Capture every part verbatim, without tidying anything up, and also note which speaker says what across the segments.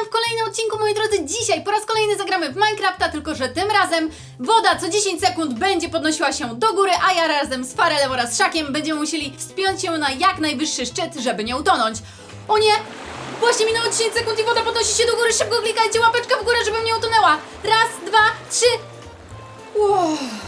Speaker 1: w kolejnym odcinku, moi drodzy. Dzisiaj po raz kolejny zagramy w Minecrafta, tylko że tym razem woda co dziesięć sekund będzie podnosiła się do góry, a ja razem z Farelem oraz Szakiem będziemy musieli wspiąć się na jak najwyższy szczyt, żeby nie utonąć. O nie! Właśnie minęło dziesięć sekund i woda podnosi się do góry. Szybko klikajcie łapeczkę w górę, żebym nie utonęła. Raz, dwa, trzy. Wow.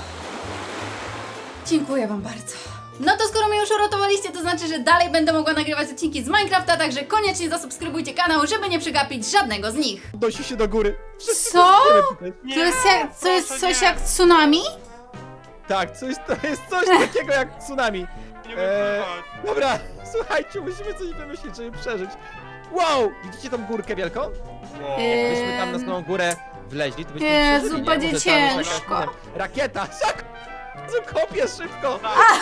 Speaker 1: Dziękuję wam bardzo. No to skoro mnie już uratowaliście, to znaczy, że dalej będę mogła nagrywać odcinki z Minecrafta, także koniecznie zasubskrybujcie kanał, żeby nie przegapić żadnego z nich.
Speaker 2: Dosi się do góry. Wszyscy
Speaker 1: Co?
Speaker 2: tutaj.
Speaker 1: To jest, jak, to jest coś jak tsunami?
Speaker 2: Tak, coś, to jest coś takiego jak tsunami.
Speaker 3: Nie
Speaker 2: Eee,
Speaker 3: eee...
Speaker 2: Dobra, słuchajcie, musimy coś wymyślić, żeby przeżyć. Wow! Widzicie tą górkę wielką?
Speaker 3: wow.
Speaker 1: Eee,
Speaker 2: Gdybyśmy tam na samą górę wleźli, to byśmy
Speaker 1: Jezu,
Speaker 2: przeżyli, nie?
Speaker 1: będzie
Speaker 2: Może tam jest jakaś,
Speaker 1: ciężko.
Speaker 2: nie wiem, Rakieta! Szak! Kopię szybko!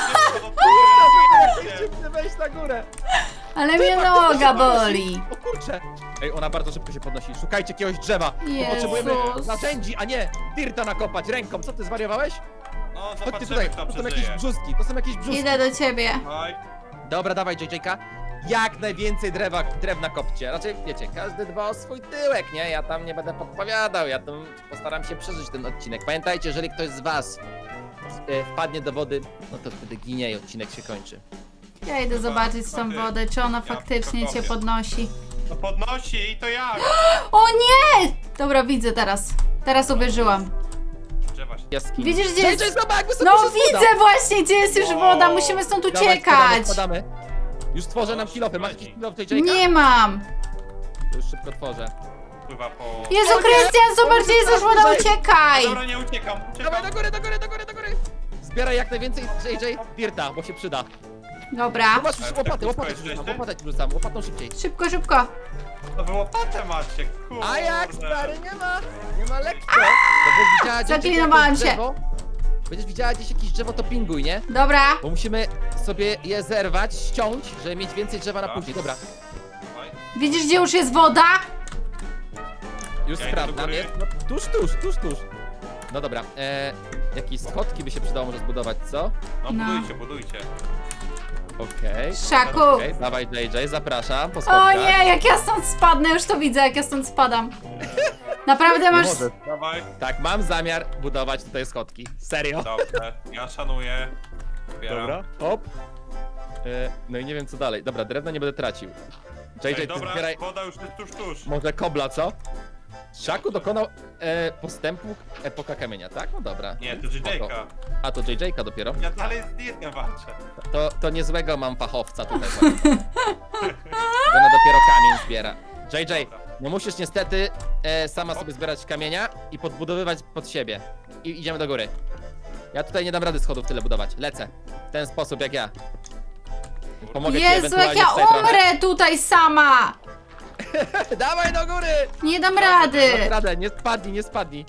Speaker 3: Tak,
Speaker 2: Chcę wejść na górę!
Speaker 1: Ale mnie noga boli.
Speaker 2: O kurczę! Ej, ona bardzo szybko się podnosi. Szukajcie jakiegoś drzewa. Bo potrzebujemy
Speaker 1: Jezus.
Speaker 2: narzędzi, a nie dirta nakopać ręką. Co ty zwariowałeś?
Speaker 3: No,
Speaker 2: Chodźcie
Speaker 3: zobaczymy,
Speaker 2: tutaj,
Speaker 3: kto
Speaker 2: to są jakieś
Speaker 3: przeżyje.
Speaker 2: brzuski, to są jakieś brzuski.
Speaker 1: Idę do ciebie.
Speaker 3: Oj,
Speaker 2: Dobra, dawaj J J-ka. Jak najwięcej drewa, drewna kopcie. Raczej, wiecie, każdy dba o swój tyłek, nie? Ja tam nie będę podpowiadał, ja tam postaram się przeżyć ten odcinek. Pamiętajcie, jeżeli ktoś z was e, wpadnie do wody, no to wtedy ginie i odcinek się kończy.
Speaker 1: Ja idę zobaczyć tą wodę, czy ona
Speaker 3: Ja
Speaker 1: faktycznie cię
Speaker 3: kopię.
Speaker 1: podnosi.
Speaker 3: to podnosi i to jak?
Speaker 1: O nie! Dobra, widzę teraz. Teraz uwierzyłam.
Speaker 3: Drzewa się.
Speaker 2: Jaskini.
Speaker 1: Widzisz, gdzie
Speaker 2: J
Speaker 1: jest-
Speaker 2: J, zobacz, jak wysoko
Speaker 1: No
Speaker 2: się spada.
Speaker 1: widzę właśnie, gdzie jest już
Speaker 3: Wow.
Speaker 1: woda. Musimy stąd
Speaker 2: Dawaj,
Speaker 1: uciekać.
Speaker 2: spadamy, spadamy. Już tworzę nam kilofy. Masz jakiś kilof J J-ka?
Speaker 1: Nie mam.
Speaker 2: To już szybko tworzę.
Speaker 3: Pływa po...
Speaker 1: Jezu,
Speaker 2: O nie!
Speaker 1: Krystian, zobacz, gdzie jest już woda,
Speaker 2: Dawaj.
Speaker 1: uciekaj.
Speaker 3: Dobra, nie uciekam,
Speaker 2: Dawaj
Speaker 3: uciekam.
Speaker 2: do góry, do góry, do góry, do góry. Zbieraj jak najwięcej J J dirta, bo się przyda.
Speaker 1: Dobra,
Speaker 2: No masz już
Speaker 3: Ale
Speaker 2: łopatę,
Speaker 3: tak
Speaker 2: łopatę ci
Speaker 3: szybko
Speaker 2: rzucam,
Speaker 3: jesteście?
Speaker 2: łopatę ci rzucam, łopatą szybciej.
Speaker 1: szybko, szybko.
Speaker 3: To wy łopatę macie, kurde.
Speaker 2: A jak, stary, nie ma, nie ma lekko. Będziesz widziała gdzieś
Speaker 1: Zaklinowałam
Speaker 2: jakieś
Speaker 1: się.
Speaker 2: drzewo, Będziesz widziała gdzieś jakieś drzewo, to pinguj, nie?
Speaker 1: Dobra.
Speaker 2: Bo musimy sobie je zerwać, ściąć, żeby mieć więcej drzewa na
Speaker 3: Dobra.
Speaker 2: później. Dobra,
Speaker 3: Oj,
Speaker 1: Widzisz, gdzie już jest woda?
Speaker 2: już
Speaker 3: Ja idę do
Speaker 2: sprawdzam,
Speaker 3: góry.
Speaker 2: jest, no, tuż, tuż, tuż, tuż. No dobra, e, jakieś schodki by się przydało może zbudować, co?
Speaker 3: no
Speaker 1: No.
Speaker 3: budujcie, budujcie.
Speaker 2: Okej,
Speaker 1: Szaku.
Speaker 2: okej, dawaj J J, zapraszam, po
Speaker 1: O
Speaker 2: schodkach.
Speaker 1: nie, jak ja stąd spadnę, już to widzę, jak ja stąd spadam. Naprawdę
Speaker 2: Nie
Speaker 1: masz...
Speaker 2: możesz.
Speaker 3: Dawaj.
Speaker 2: Tak, mam zamiar budować tutaj schodki. Serio.
Speaker 3: Dobrze, ja szanuję. Zbieram.
Speaker 2: Dobra, hop. E, no i nie wiem co dalej. Dobra, drewno nie będę tracił. J J,
Speaker 3: Ej,
Speaker 2: ty
Speaker 3: dobra,
Speaker 2: zbieraj
Speaker 3: woda już jest tuż, tuż.
Speaker 2: może kobla, co? Szaku dokonał e, postępu epoka kamienia, tak? No dobra.
Speaker 3: Nie, to
Speaker 2: Spoko.
Speaker 3: J-J-ka.
Speaker 2: A to J J-ka dopiero.
Speaker 3: Ja dalej z Dirkiem walczę.
Speaker 2: To, to niezłego mam fachowca tutaj. Bo ona dopiero kamień zbiera. J J, no musisz niestety e, sama sobie zbierać kamienia i podbudowywać pod siebie. I idziemy do góry. Ja tutaj nie dam rady schodów tyle budować. Lecę. W ten sposób jak ja. Pomogę ci
Speaker 1: Jezu, jak
Speaker 2: ewentualnie
Speaker 1: ja
Speaker 2: tutaj trochę.
Speaker 1: umrę tutaj sama.
Speaker 2: Dawaj do góry!
Speaker 1: Nie dam rady.
Speaker 2: Dasz radę, nie spadnij, nie spadnij.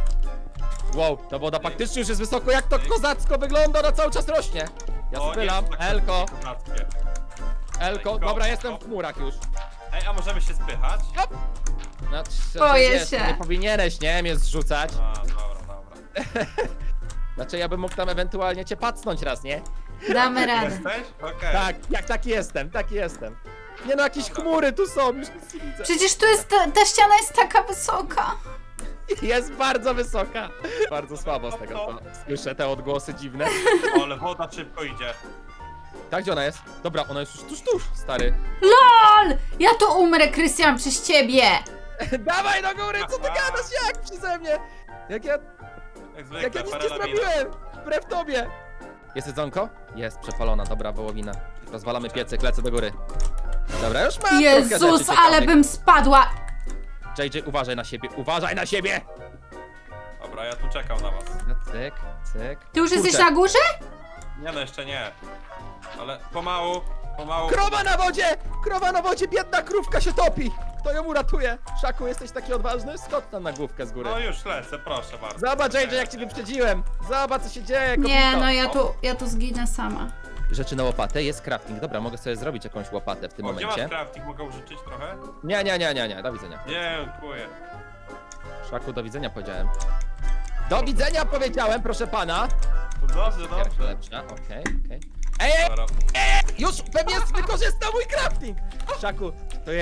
Speaker 2: Wow, ta woda faktycznie już jest wysoko, jak to kozacko wygląda, ona cały czas rośnie. Ja
Speaker 3: O, nie,
Speaker 2: spylam,
Speaker 3: tak
Speaker 2: Elko,
Speaker 3: kozackie.
Speaker 2: Elko,
Speaker 3: Ej,
Speaker 2: dobra,
Speaker 3: go,
Speaker 2: jestem
Speaker 3: go.
Speaker 2: w chmurach już.
Speaker 3: Ej, a możemy się spychać?
Speaker 2: No, trz-
Speaker 1: Boję
Speaker 2: wiesz,
Speaker 1: się.
Speaker 2: Nie powinieneś, nie, mnie zrzucać.
Speaker 3: A, dobra, dobra.
Speaker 2: Znaczy, ja bym mógł tam ewentualnie cię pacnąć raz, nie?
Speaker 1: Damy radę.
Speaker 3: Jesteś? Okej.
Speaker 2: Tak, jak taki jestem, taki jestem. Nie no, jakieś chmury tu są, już nic nie widzę.
Speaker 1: Przecież tu jest, ta, ta ściana jest taka wysoka.
Speaker 2: Jest bardzo wysoka. Bardzo słabo z tego, to słyszę te odgłosy dziwne.
Speaker 3: O, ale woda szybko idzie.
Speaker 2: Tak, gdzie ona jest? Dobra, ona jest już tuż, tuż, stary.
Speaker 1: LOL! Ja tu umrę, Krystian, przez ciebie.
Speaker 2: Dawaj do góry, co ty gadasz, jak przeze mnie? Jak ja,
Speaker 3: Jak zwykle,
Speaker 2: jak ja nic nie
Speaker 3: parę lawina.
Speaker 2: zrobiłem, wbrew tobie. Jest jedzonko? Jest, przepalona, dobra, wołowina. Rozwalamy piecyk, lecę do góry. Dobra, już mam trochę
Speaker 1: Jezus,
Speaker 2: rzeczy
Speaker 1: ale
Speaker 2: ciekawych.
Speaker 1: bym spadła.
Speaker 2: J J, uważaj na siebie, uważaj na siebie!
Speaker 3: Dobra, ja tu czekam na was.
Speaker 2: No, cyk, cyk.
Speaker 1: Ty już jesteś
Speaker 2: Kurczę.
Speaker 1: na górze?
Speaker 3: Nie no, jeszcze nie. Ale pomału, pomału.
Speaker 2: Krowa na wodzie! Krowa na wodzie, biedna krówka się topi! Kto ją uratuje? Szaku, jesteś taki odważny? Skocz tam na główkę z góry.
Speaker 3: No już lecę, proszę bardzo.
Speaker 2: Zobacz, J J, jak cię wyprzedziłem! Zobacz, co się dzieje,
Speaker 1: Nie,
Speaker 2: kobito.
Speaker 1: no ja tu, ja tu zginę sama.
Speaker 2: Rzeczy na łopatę, jest crafting. Dobra, mogę sobie zrobić jakąś łopatę w tym
Speaker 3: O, gdzie
Speaker 2: momencie.
Speaker 3: masz crafting? Mogę użyczyć trochę?
Speaker 2: Nie, nie, nie, nie, nie, do widzenia.
Speaker 3: Nie, dziękuję.
Speaker 2: Szaku, do widzenia powiedziałem. Do widzenia powiedziałem, proszę pana.
Speaker 3: To dobrze,
Speaker 2: Pierwsza
Speaker 3: dobrze.
Speaker 2: lepsza, okej, okej. Ej, ej,
Speaker 3: Dobra.
Speaker 2: już pewnie wykorzystał mój crafting! Szaku, to jest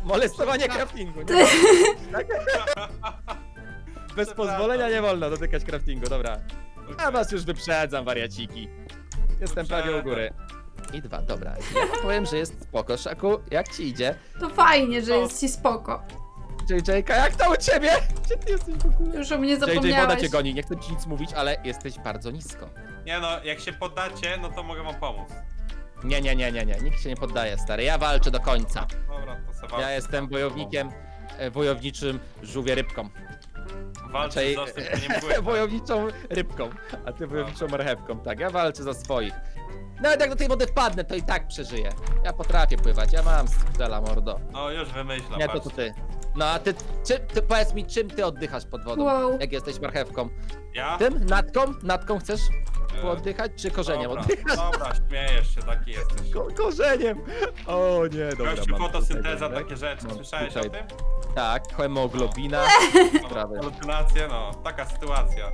Speaker 2: Molestowanie craftingu. Nie? Tak? Bez pozwolenia nie wolno dotykać craftingu, dobra. A was już wyprzedzam, wariaciki. Jestem prawie u góry. I dwa, dobra. Ja powiem, że jest spoko. Szaku, jak ci idzie?
Speaker 1: To fajnie, że jest ci spoko.
Speaker 2: J J K, jak to u ciebie? Gdzie ty jesteś w ogóle?
Speaker 1: Już o mnie
Speaker 2: J J, woda
Speaker 1: zapomniałeś.
Speaker 2: cię goni, nie chcę ci nic mówić, ale jesteś bardzo nisko.
Speaker 3: Nie no, jak się poddacie, no to mogę wam pomóc.
Speaker 2: Nie, nie, nie, nie, nie, nikt się nie poddaje, stary. Ja walczę do końca.
Speaker 3: Dobra, to se walczę.
Speaker 2: Ja jestem wojownikiem, e, wojowniczym żółwie rybką.
Speaker 3: Walczę
Speaker 2: Raczej
Speaker 3: z osób, które nie pływa.
Speaker 2: wojowniczą rybką, a ty wojowniczą marchewką. Tak, ja walczę za swoich. Nawet jak do tej wody wpadnę, to i tak przeżyję. Ja potrafię pływać, ja mam strzela, mordo.
Speaker 3: No już wymyślam,
Speaker 2: Nie, to to ty. No a ty, czy, ty, powiedz mi, czym ty oddychasz pod wodą?
Speaker 1: Wow.
Speaker 2: Jak jesteś marchewką?
Speaker 3: Ja?
Speaker 2: Tym? Natką? Natką chcesz
Speaker 3: E,
Speaker 2: oddychać, czy korzeniem
Speaker 3: dobra,
Speaker 2: oddychasz?
Speaker 3: Dobra, śmiejesz się, taki jesteś.
Speaker 2: Ko korzeniem! O nie, dobra.
Speaker 3: Gościu,
Speaker 2: mam
Speaker 3: fotosynteza,
Speaker 2: tutaj,
Speaker 3: takie rzeczy,
Speaker 2: Mam
Speaker 3: słyszałeś
Speaker 2: tutaj-
Speaker 3: o tym?
Speaker 2: Tak, hemoglobina.
Speaker 3: No,
Speaker 2: Sprawy.
Speaker 3: halucynacje, no, taka sytuacja.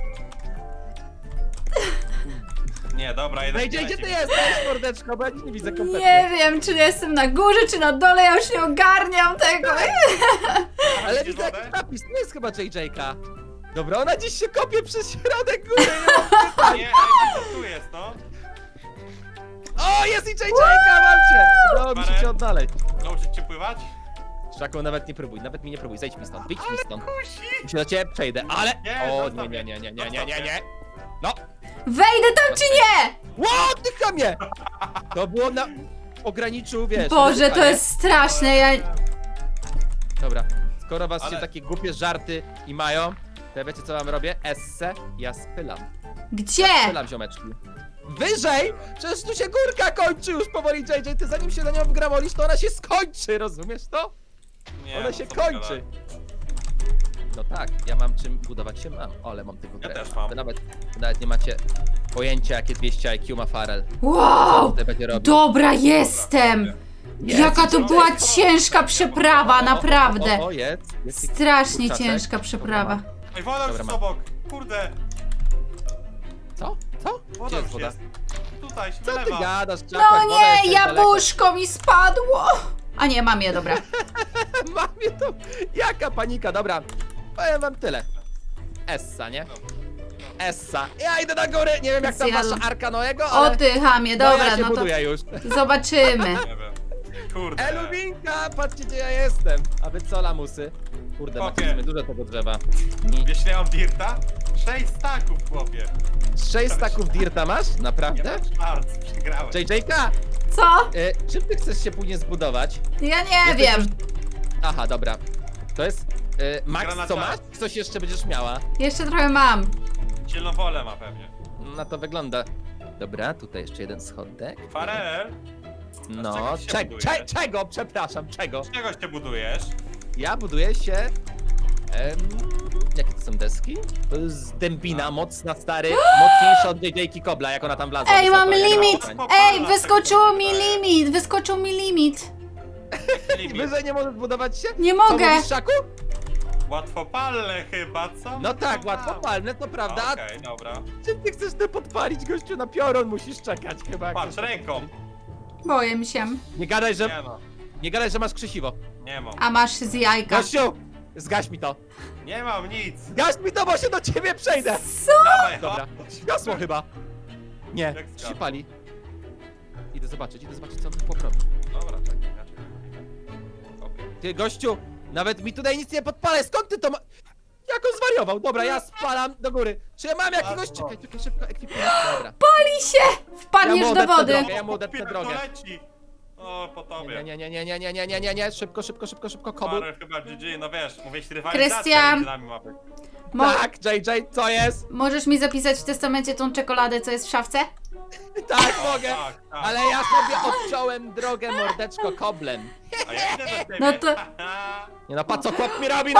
Speaker 3: Nie, dobra, jeden
Speaker 2: No i gdzie, gdzie ty jesteś, mordeczko? Bo ja nic nie widzę kompletnie.
Speaker 1: Nie wiem, czy jestem na górze, czy na dole, ja już nie ogarniam tego.
Speaker 2: Ale
Speaker 3: Widzisz
Speaker 2: widzę
Speaker 3: wodę?
Speaker 2: jakiś napis, to jest chyba J J K. Dobra, ona dziś się kopie przez środek góry, nie mam pytań.
Speaker 3: Nie, ej, co tu jest, no?
Speaker 2: O, jest i J J K, mam cię! Udało mi się
Speaker 3: Parę.
Speaker 2: cię odnaleźć.
Speaker 3: Nauczyć cię pływać?
Speaker 2: Szaku, nawet nie próbuj, nawet mi nie próbuj, zejdź mi stąd, wyjdź mi stąd.
Speaker 3: Kusi!
Speaker 2: Się do ciebie przejdę, ale...
Speaker 3: Nie,
Speaker 2: O,
Speaker 3: zostaw
Speaker 2: nie, nie,
Speaker 3: mnie.
Speaker 2: nie, nie, nie, nie, nie, nie. No,
Speaker 1: Wejdę tam czy nie?
Speaker 2: ło, ty chamie! To było na... Ograniczył, wiesz...
Speaker 1: Boże, to
Speaker 2: ryzyka, nie?
Speaker 1: jest straszne, ja...
Speaker 2: Dobra, skoro was się
Speaker 3: Ale-
Speaker 2: takie głupie żarty i mają, to ja wiecie co wam robię? Esse, ja spylam.
Speaker 1: Gdzie?
Speaker 2: Spylam, ziomeczki. Wyżej! Przecież tu się górka kończy już powoli, J J, ty zanim się na nią wgramolisz, to ona się skończy, rozumiesz to?
Speaker 3: Nie,
Speaker 2: Ona
Speaker 3: no
Speaker 2: się
Speaker 3: co ty
Speaker 2: kończy.
Speaker 3: gadasz?
Speaker 2: No tak, ja mam czym budować się mam, o, ale mam tylko
Speaker 3: Ja
Speaker 2: grę.
Speaker 3: też mam.
Speaker 2: Wy nawet, wy nawet nie macie pojęcia, jakie dwieście I Q ma Farel. Co
Speaker 1: Wow!
Speaker 2: tutaj będzie robił.
Speaker 1: Dobra, jestem!
Speaker 2: Jest,
Speaker 1: Jaka to
Speaker 2: jest,
Speaker 1: była
Speaker 2: jest.
Speaker 1: ciężka przeprawa,
Speaker 2: O, o, o,
Speaker 1: naprawdę.
Speaker 2: O, o, jest, jest.
Speaker 1: Strasznie
Speaker 2: kurczaczek.
Speaker 1: ciężka przeprawa.
Speaker 3: Ej, woda już
Speaker 2: Dobra,
Speaker 3: jest
Speaker 2: mam.
Speaker 3: obok! Kurde!
Speaker 2: Co? Co?
Speaker 3: Woda
Speaker 2: Gdzie jest
Speaker 3: już
Speaker 2: woda?
Speaker 3: jest. Tutaj się
Speaker 2: Co ty
Speaker 3: wylewa.
Speaker 2: gadasz, Czakłak?
Speaker 1: No
Speaker 2: Woda jeszcze
Speaker 1: nie,
Speaker 2: jest daleko.
Speaker 1: jabłuszko mi spadło! A nie, mam je, dobra.
Speaker 2: Mamie to... Jaka panika, dobra. Powiem wam tyle. Essa, nie? Essa. Ja idę na górę, nie wiem jak tam
Speaker 1: Zjadł.
Speaker 2: wasza arka Noego,
Speaker 1: O
Speaker 2: ale...
Speaker 1: ty, chamie,
Speaker 2: no,
Speaker 1: dobra,
Speaker 2: ja się
Speaker 1: no to
Speaker 2: buduję już.
Speaker 1: zobaczymy.
Speaker 3: Nie wiem. Kurde.
Speaker 2: Elubinka, patrzcie gdzie ja jestem. A wy co, lamusy? Kurde, macie
Speaker 3: Okej.
Speaker 2: w sumie dużo tego drzewa. Ni-
Speaker 3: Wiesz, ile mam dirta? Sześć staków, chłopie.
Speaker 2: Sześć staków dirta masz?
Speaker 3: Nie
Speaker 2: Naprawdę?
Speaker 3: mam czwart, przegrałem.
Speaker 2: J J K,
Speaker 1: Co?
Speaker 2: y, czym ty chcesz się później zbudować?
Speaker 1: Ja nie
Speaker 2: Jesteś
Speaker 1: wiem.
Speaker 2: już- Aha, dobra. To jest... Y, Max,
Speaker 3: Gra na
Speaker 2: co
Speaker 3: czas.
Speaker 2: masz? Coś jeszcze będziesz miała?
Speaker 1: Jeszcze trochę mam.
Speaker 3: Silną wolę ma pewnie.
Speaker 2: Na to wygląda. Dobra, tutaj jeszcze jeden schodek.
Speaker 3: Farel,
Speaker 2: No,
Speaker 3: czego się
Speaker 2: cze
Speaker 3: buduje?
Speaker 2: cze czego? Przepraszam, czego?
Speaker 3: z czegoś ty budujesz?
Speaker 2: Ja buduję się... Em, jakie to są deski? To jest dębina,
Speaker 3: A.
Speaker 2: mocna, stary, mocniejsza od J J Kobla, jak ona tam wlazła.
Speaker 1: Ej, mam
Speaker 2: wysoko, jak
Speaker 1: limit!
Speaker 2: ona-
Speaker 1: Ej, wyskoczyło mi limit! Wyskoczył mi limit!
Speaker 3: Limit.
Speaker 2: Wyżej nie możesz budować się?
Speaker 1: Nie
Speaker 2: Co
Speaker 1: mogę!
Speaker 2: mówisz, Szaku?
Speaker 3: Łatwopalne chyba, co?
Speaker 2: No tak,
Speaker 3: No,
Speaker 2: łatwo palne, to prawda. A
Speaker 3: Okej, dobra.
Speaker 2: czym ty chcesz te podpalić, gościu? Na piorun musisz czekać chyba. jak
Speaker 3: Patrz,
Speaker 2: to-
Speaker 3: ręką.
Speaker 1: Boję się.
Speaker 2: Nie gadaj, że,
Speaker 3: Nie no,
Speaker 2: nie gadaj, że masz krzesiwo.
Speaker 3: nie mam.
Speaker 1: A masz z jajka.
Speaker 2: Gościu, zgaś mi to.
Speaker 3: Nie mam nic.
Speaker 2: Zgaś mi to, bo się do ciebie przejdę.
Speaker 1: Co?
Speaker 3: Dawaj,
Speaker 2: Dobra,
Speaker 3: chodź.
Speaker 2: zgasło chyba. Nie,
Speaker 3: Jak
Speaker 2: się
Speaker 3: zgasło?
Speaker 2: pali. Idę zobaczyć, idę zobaczyć, co on tu poprawi.
Speaker 3: Dobra, czekaj, inaczej. Okej.
Speaker 2: Ty, gościu, nawet mi tutaj nic nie podpalaj, skąd ty to ma... Jak on zwariował? Dobra, ja spalam do góry. Czy ja mam jakiegoś...
Speaker 3: Bardzo.
Speaker 2: Czekaj, czekaj, szybko, ekwipunek, dobra.
Speaker 1: Pali się! Wpadniesz
Speaker 2: Ja mu
Speaker 1: do
Speaker 2: odetnę
Speaker 1: wody.
Speaker 2: drogę. Ja mu odetnę
Speaker 3: Chłopie,
Speaker 2: drogę.
Speaker 3: to leci. O, po tobie.
Speaker 2: Nie, nie, nie, nie, nie, nie, nie, nie, nie, szybko, szybko, szybko, szybko, kobul.
Speaker 3: Parę chyba G G, no wiesz, mówisz rywalizacja
Speaker 1: Krystian.
Speaker 3: między nami mapy.
Speaker 1: Mo
Speaker 2: Tak, J J, co jest?
Speaker 1: możesz mi zapisać w testamencie tą czekoladę, co jest w szafce?
Speaker 2: Tak, mogę.
Speaker 3: Tak, tak.
Speaker 2: Ale ja sobie odciąłem drogę, mordeczko, koblem.
Speaker 3: A ja idę do ciebie.
Speaker 1: No to-
Speaker 2: Nie no, patrz co chłop mi robi, no!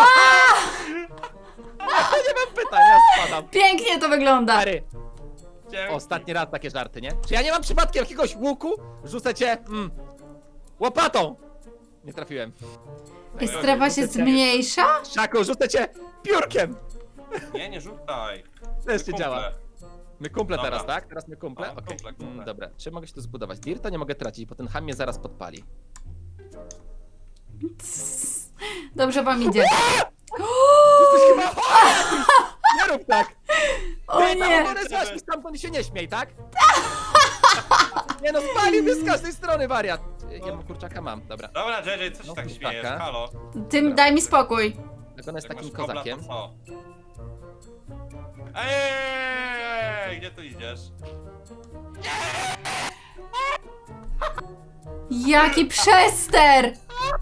Speaker 2: Nie mam pytań, ja spadam.
Speaker 1: Pięknie to wygląda.
Speaker 2: Stary,
Speaker 3: Dzięki.
Speaker 2: ostatni raz takie żarty, nie? Czy ja nie mam przypadkiem jakiegoś łuku? Rzucę cię, mm, łopatą! Nie trafiłem.
Speaker 1: I strefa się zmniejsza?
Speaker 2: Szaku, rzucę cię piórkiem!
Speaker 3: Nie, nie rzucaj.
Speaker 2: Też nie
Speaker 3: Kumple.
Speaker 2: działa. My kumple
Speaker 3: Dobra.
Speaker 2: teraz, tak? Teraz my kumple?
Speaker 3: No,
Speaker 2: Okej.
Speaker 3: kumple, kumple.
Speaker 2: Mm, dobra, czy mogę się tu zbudować? Dirta nie mogę tracić, bo ten ham mnie zaraz podpali.
Speaker 1: Dobrze wam idzie.
Speaker 2: Jesteś chyba chory! Nie rób tak!
Speaker 1: O
Speaker 2: Ty,
Speaker 1: nie!
Speaker 2: Tam złaś mi stamtąd i się nie śmiej, tak? Nie no, spalił mnie z każdej strony, wariat. Ja mam kurczaka, mam, dobra.
Speaker 3: Dobra, J J, co się
Speaker 2: No,
Speaker 3: tak
Speaker 2: kurczaka.
Speaker 3: śmiejesz? Halo?
Speaker 1: Tym daj mi spokój.
Speaker 2: Jak ona jest
Speaker 3: Jak
Speaker 2: takim
Speaker 3: masz kobla,
Speaker 2: kozakiem.
Speaker 3: to co? Ej, gdzie tu idziesz?
Speaker 1: Jaki przester!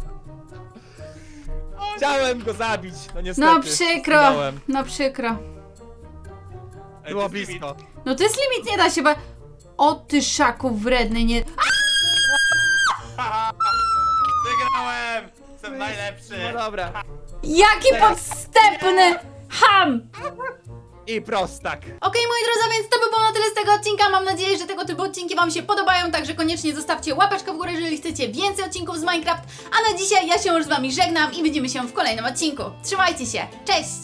Speaker 2: Chciałem go zabić, no niestety.
Speaker 1: No przykro,
Speaker 2: Zginąłem.
Speaker 1: no przykro.
Speaker 3: Ej,
Speaker 2: Było
Speaker 3: to jest
Speaker 2: blisko.
Speaker 1: No to jest limit, nie da się, bo... O ty szaku wredny, nie...
Speaker 3: Haha! Wygrałem! Jestem najlepszy!
Speaker 2: No dobra.
Speaker 1: Jaki podstępny ham!
Speaker 2: I prostak.
Speaker 1: Okej, moi drodzy, więc to by było na tyle z tego odcinka. Mam nadzieję, że tego typu odcinki wam się podobają, także koniecznie zostawcie łapeczkę w górę, jeżeli chcecie więcej odcinków z Minecraft. A na dzisiaj ja się już z wami żegnam i widzimy się w kolejnym odcinku. Trzymajcie się, cześć!